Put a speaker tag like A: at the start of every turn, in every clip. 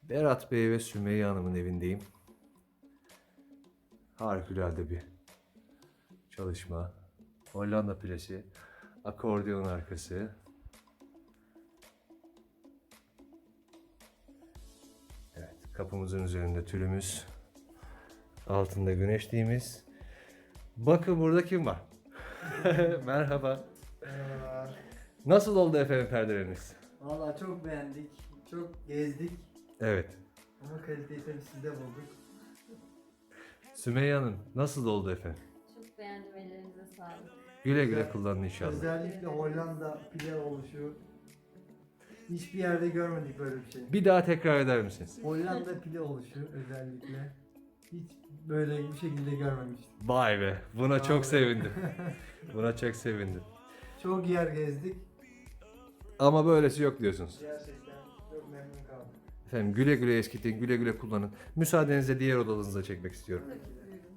A: Berat Bey ve Sümeyye Hanım'ın evindeyim. Harikulade bir çalışma. Hollanda plası, akordeon arkası. Evet, kapımızın üzerinde tülümüz. Altında güneşliğimiz. Bakın burada kim var? Merhaba.
B: Merhabalar.
A: Nasıl oldu efendim perdeleriniz?
B: Valla çok beğendik, çok gezdik
A: Evet.
B: ama kaliteyi tabii sizde bulduk.
A: Sümeyye Hanım nasıl oldu efendim?
C: Çok beğendim, ellerinize sağlık.
A: Güle güle kullanın inşallah.
B: Özellikle Hollanda pile oluşu. Hiçbir yerde görmedik böyle bir şey.
A: Bir daha tekrar eder misiniz?
B: Hollanda pile oluşu özellikle. Hiç böyle bir şekilde görmemiştim.
A: Vay be, buna çok
B: Abi.
A: sevindim. Buna çok sevindim.
B: Çok yer gezdik.
A: Ama böylesi yok diyorsunuz.
B: Gerçekten çok memnun kaldım.
A: Efendim güle güle eskitin, güle güle kullanın. Müsaadenizle diğer odanızda çekmek istiyorum.
C: Buyurun.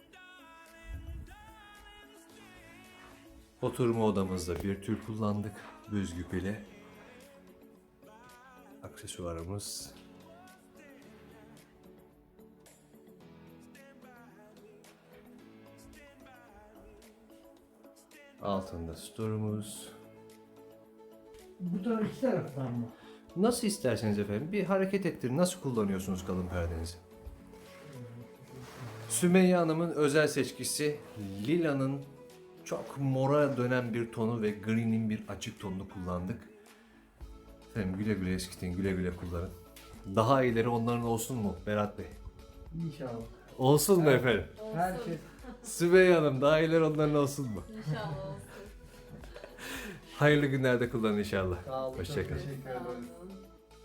A: Oturma odamızda bir tül kullandık. Büzgü pili. Aksesuarımız. Altında storumuz.
B: Bu taraf iki taraftan mı?
A: Nasıl isterseniz efendim bir hareket ettirin. Nasıl kullanıyorsunuz kalın perdenizi? Sümeyye Hanım'ın özel seçkisi lilanın çok mora dönen bir tonu ve green'in bir açık tonunu kullandık. Efendim güle güle eskitin, güle güle kullanın. Daha iyileri onların olsun mu Berat Bey?
B: İnşallah.
A: Olsun mu efendim?
C: Olsun.
B: Her şey.
A: Sümeyye Hanım daha iyileri onların olsun mu?
C: İnşallah olsun.
A: Hayırlı günlerde kullanın inşallah.
B: Sağ olun.
A: Hoşça
B: Çok
A: kalın.
B: teşekkür
C: Sağ
B: ederiz.
C: olun.